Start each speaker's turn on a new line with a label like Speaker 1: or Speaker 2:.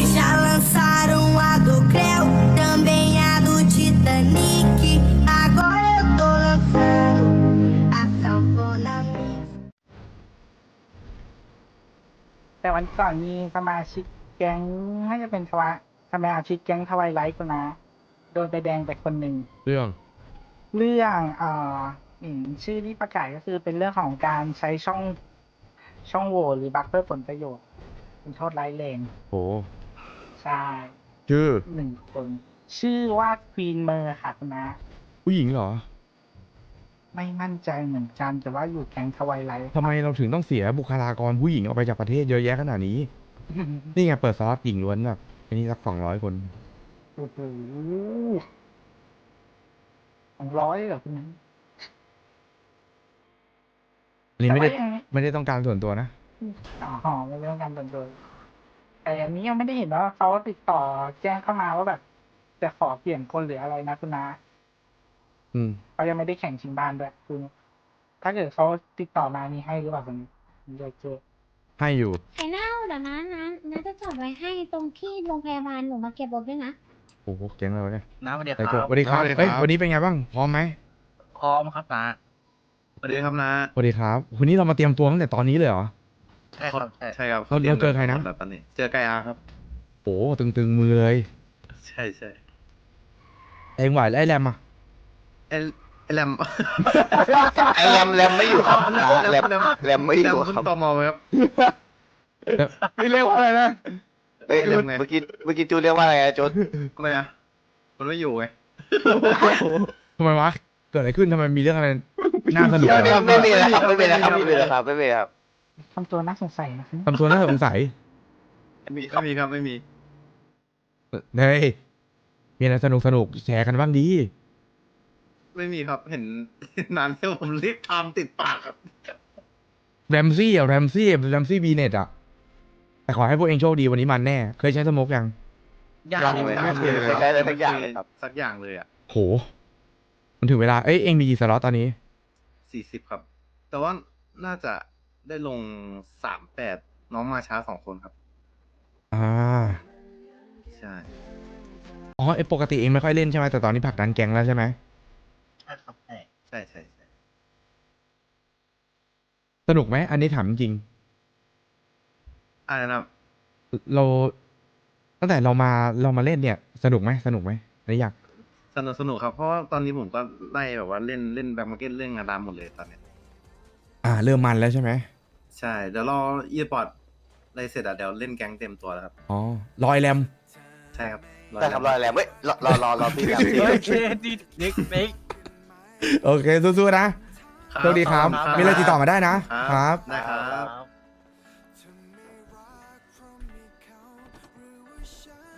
Speaker 1: Já lançaram a do Creu, também a do Titanic. Agora eu tô lançando a sanfona mix.
Speaker 2: แต่วันก่อนมีสมาชิกแก๊งน่าจะเป็นสมาชิกแก๊งทวายไลท์คนนะโดนใบแดงไปคนหนึ่ง
Speaker 3: เรื่อง
Speaker 2: เรื่องชื่อที่ประกาศก็คือเป็นเรื่องของการใช้ช่องโหว่หรือบัคเพื่อผลประโยชน์เป็นโทษร้ายแรง
Speaker 3: โห
Speaker 2: ใช่
Speaker 3: ชื่อ
Speaker 2: 1 คน ชื่อว่าควีนเมอร์ค่ะคุณนะ
Speaker 3: ผู้หญิงเหรอ
Speaker 2: ไม่มั่นใจเหมือนกันแต่ว่าอยู่แก๊งทวายไลท์
Speaker 3: ทำไมเราถึงต้องเสียบุคลากรผู้หญิงออกไปจากประเทศเยอะแยะขนาดนี้ นี่ไงเปิดซอสหญิงล้วนแบบอันนี้สัก200 คน
Speaker 2: โอ้โห200เหรอคุณนะ
Speaker 3: อันนี้ไม่ได้
Speaker 2: แต่ว่ายัง
Speaker 3: ไม่ได้ต้องการส่วนตัวนะ
Speaker 2: อ๋อไม่เรื่องการส่วนตัวแต่อันนี้ยังไม่ได้เห็นว่าเขาติดต่อแจ้งเข้ามาว่าแบบจะขอเปลี่ยนคนหรืออะไรนะคุณนะ
Speaker 3: อืม
Speaker 2: เขายังไม่ได้แข่งชิงบ้านด้วยคือถ้าเกิดเขาติดต่อมานี่ให้หรือเปล่าคุณเดี๋ยวเจอ
Speaker 3: ให้อยู่
Speaker 4: ไข่เน่าเดี๋ยวนะจะจอดไว้ให้ตรงที่โรงพยาบาลหนูมาเก็บรถด้วยนะ
Speaker 3: โอ้โหเจ๋งเลยวะเนี่ย
Speaker 5: น้าสวัสดี
Speaker 3: ไอ้
Speaker 5: ค
Speaker 3: โก
Speaker 5: รับ
Speaker 3: สวัสดีครับ
Speaker 6: สวัสดีครับ
Speaker 3: เอ้ยวันนี้เป็นไงบ้าง พร้อมไหม
Speaker 5: พร้อมครับน้า
Speaker 6: สวัสดีครับนะ
Speaker 3: สวัสดีครับวันนี้เรามาเตรียมตัวตั้งแต่ตอนนี้เลยเหรอ
Speaker 5: ใช่ครับใช่
Speaker 6: ใช่ครับ
Speaker 3: เราเจอใครนะ
Speaker 6: แล้วตอนนี้เจอไกอาครับ
Speaker 3: โอ้ตึงมือเลย
Speaker 6: ใช่ใช่
Speaker 3: เองไหวแล้วไอ้แรมอ่ะ
Speaker 6: ไอ้ไอ้แรม
Speaker 7: ไอ้แรมไม่อยู่ครับแรมไม่อยู่
Speaker 6: คุณ
Speaker 7: ครับ
Speaker 6: ตมไหมครับ
Speaker 3: ไม่เรียกว่าอะไรนะ
Speaker 7: เอ้ย
Speaker 6: แรมไง
Speaker 7: เมื่อกี้จูเรียกว่าอะไรอะจูน
Speaker 6: ทำไมอ่ะมันไม่อยู่ไง
Speaker 3: ทำไมวะ เกิดอะไรขึ้นทำไมมีเรื่องอะไรน่าสนุก
Speaker 7: เดี๋ยว
Speaker 3: เหรอ
Speaker 7: ไม่มีแล้วครับไม่มีแล้วครับไม่มีแล้วครับไม่มีแล้วครับ
Speaker 2: ทำตัวน่าสงสัยนะ
Speaker 3: ทำตัวน่าสงสัย
Speaker 6: ไม่มีครับไม่มี
Speaker 3: เฮ้ยมีอะไรสนุกแชร์กันบ้างดี
Speaker 6: ไม่มีครับเห็นนานแล้วผมรีบทำติดปากครับ
Speaker 3: แรมซี่บีเน็ตอ่ะ แต่ขอให้พวกเองโชคดีวันนี้มันแน่ เคยใช้สโมกยัง
Speaker 7: ยังเลยไม่เคยใช้อะไรสักอย่างเลยครับ
Speaker 6: สักอย่างเลยอ่ะ
Speaker 3: โห มันถึงเวลา เอ้ย เองมีกี่สล็อตตอนนี้
Speaker 6: 40ครับ แต่ว่าน่าจะได้ลง38น้องมาช้า2 คนครับ
Speaker 3: อ่า
Speaker 6: ใช่
Speaker 3: อ๋อไอปกติเองไม่ค่อยเล่นใช่ไหมแต่ตอนนี้ผลักดันแก๊งแล้วใช่ไหม
Speaker 5: ใช่ครับใช่
Speaker 6: ใช่ใช่ใช่
Speaker 3: สนุกไหม อันนี้ถามจริง
Speaker 6: อะไรนะครับ
Speaker 3: เราตั้งแต่เรามาเล่นเนี่ย สนุกไหมอันนี้อยาก
Speaker 6: สนุกครับ เพราะว่าตอนนี้ผมก็ไล่แบบว่าเล่นแบ็คมาร์เก็ตเล่นงานดำหมดเลยตอนเนี้ย
Speaker 3: เริ่มมันแล้วใช่ไหม
Speaker 6: ใช่ เดี๋ยวรออีพอร์ตอะไรเสร็จอ่ะเดี๋ยวเล่นแก๊งเต็มตัวแล้วครับ
Speaker 3: อ๋อรอยแรม
Speaker 6: ใช่ครับ
Speaker 7: ได้ครับรอแรมเว้ยรอพี่แรมพี่
Speaker 5: โอเคดีเด็ก
Speaker 3: โอเคสู้ๆนะโชคดีครับ มีอะไรติดต่อมาได้นะ ครับ
Speaker 6: ได้ครับ
Speaker 5: ครับ